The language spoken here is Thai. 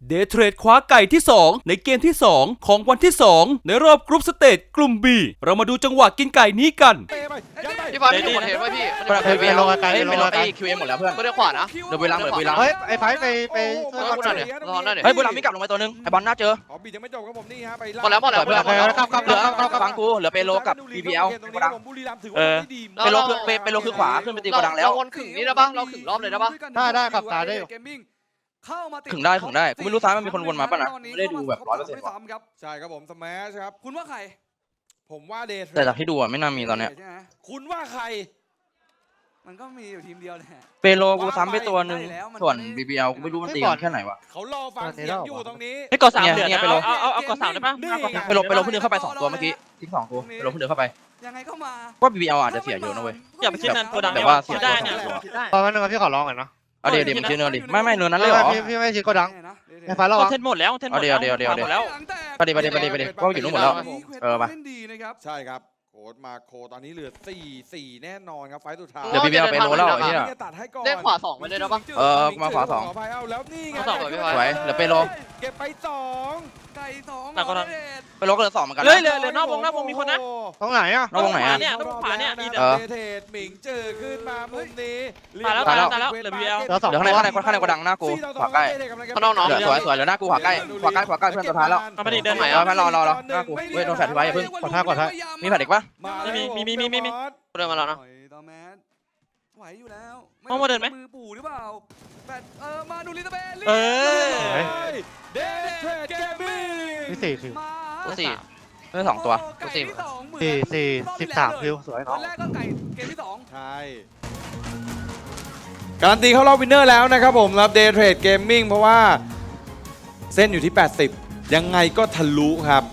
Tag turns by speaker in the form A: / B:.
A: เดย์เทรดคว้าไก่ที่ 2 ในเกมที่ 2 ของวันที่ 2 ในรอบกรุ๊ปสเตจกลุ่ม B เรามาดูจังหวะกินไก่นี้กัน
B: พี่ฟ้าไม่ถูกคอนเทนต์ไว้พี่
C: ไปลงไกลไปลงไกล
D: คิวเอ็มหมดแล้วเพื่อน
B: ไม่ได้ขวานะ
D: เดี๋ยวบุรีรัมย์เหมือนบุรีรัมย์
C: เฮ้ยไอ้ไฟไป
B: เออคุณหน่อยดิรอหน่อยดิ
D: เฮ้ยบุรีรัมย์มีกลับลงไปตัวนึงไอ้บอลน่าเจอ
E: ขอบียังไม่จบครับผมนี่ฮะไป
B: หมดแล้วหมดแล้วหมดแล้วหมดแล้ว
D: เหลือฟังกูเหลือเปโลกับ BBL โกดัง
E: บุรีรัมย์ถือว่าไม่ดี
D: เปโลคือขวาขึ้นไปตีโกดังแล้ว
B: เราวนขึงนี่ได้ปะเราขึงรอบเลยได้ปะ
C: ได้ขับตาได้อยู่
F: เข้ามาติด
D: ขึงได้กูไม่รู้ซ้ายมันมีคนวนมาป่ะนะไม่ได้ดูแบบ100%ว่ะ
F: ครับ
E: ใช่ครับผมสมัชครับ
F: คุณว่าใคร
E: ผมว่าเดท
D: แต่จากที่ดูอ่ะไม่น่ามีตอนเนี้ย
F: ใช่ไหม
E: คุณว่าใคร
F: มันก็มีอยู่ทีมเดียวแหละ
D: เปโลกูซ้ำไปตัวนึงส่วน BBL กูไม่รู้มันตีกันแค่ไหนวะ
E: เขารอฟังเสียงอยู่ตรงนี้
G: ให้กด3เหลือ
D: เนี่ย
G: นะ
D: ไปลง
G: เอากด3ได้ปะ
E: นี่
D: เปโลเพิ่งเดินเข้าไป2ตัวเมื่อกี้ทิ้ง2กูเปโลเพิ่งเดินเข้าไป
F: ยังไงก็มา
D: ว่า BBL อาจจะเสียเยอะนะเว้ย
G: อย่าไปคิดนั้นตัวดัง
D: แต่ว่าเสีย
G: ได้เนี่ย
C: ตอนนั้นพี่ขอร้องหน่อยเนาะ
D: เอาเดี๋ยวมึงชื่อเนินดิไม่เนินนั้นเลยเหรอ
C: พี่ไม่ชิดก็ดังไอ้ไฟระ
G: ค
C: วั
G: อง นเทนต์หมดแล้วคอนเทนต์หมดแล้ว
D: เดี๋ยว
G: หมดแล้ว
D: ไปดิก็อยู่นู่นหมดแล้ว เออไป
F: เล่นดีนะครับ
E: ใช่ครับโค้ดมาโคตอนนี้เหลือ4แน่นอนครับไฟสุดท้าย
D: เดี๋ยว BBL ไปโลแล้วไอ้เหี้ย
E: จะตัดให้ก่อน
B: ได้ขวา2ไปเลยได้ปะ
D: เออมาขวา2
E: ขออภัยเอาแล้วนี่ไง
B: ขวาสองไป
D: สวยเหลือเปโล
E: เก็บไป2
F: ไก่สอง
G: แต่ก็ทัน
D: เปโลก็เหลือ2เหมือนกัน
G: เฮ้ย
D: นะ
G: เหลือนอกวงมีคนนะ
C: ตรงไหนอ่ะ
D: นอกวงไหนอะ
G: เนี่ยต้องขวาเนี่ยดีเด้
D: เอ
G: อ
D: อ
E: เทศหมิงเจอขึ้นมามุมนี้
G: ตายแล้วเหลือ BBL
C: เหลือ2
D: เดี๋ยวข้างในก็ดังหน้ากูขวาใกล้
B: ข้างนอกเนาะ
D: เหลือสวยเหลือหน้ากูขวาใกล้เพื่อนสุดท้ายแล้ว
G: เอามาดิเดิน
B: ไหน
D: เออแพนรอหน้ากูเว้ยโดนแฟลชไว้อย่าเพิ่ง
C: กดท้าย
D: มีแฟลชอีกปะ
G: มี
B: เดินมาแล้วนะ
F: ต่อแมสไหวอยู่แล้ว
G: เอามาเดินไหม
F: มือปู่หรือเปล่าแปดมาดูลิตาเบล
G: เออ
E: เดทเทรดเกมมิ่ง
C: พี่4คิว
F: มา
B: กูสี่
D: ได้2ตัว
F: ไก่ที่สองเหมือน
C: 13คิวสวย
F: ตอ
C: เนาะ
F: นแรกก็ไก่เกมที่สอง
E: ใช่การันตีเข้ารอบวินเนอร์แล้วนะครับผมรับเดย์เทรดเกมมิ่งเพราะว่าเส้นอยู่ที่ 80 ยังไงก็ทะลุครับ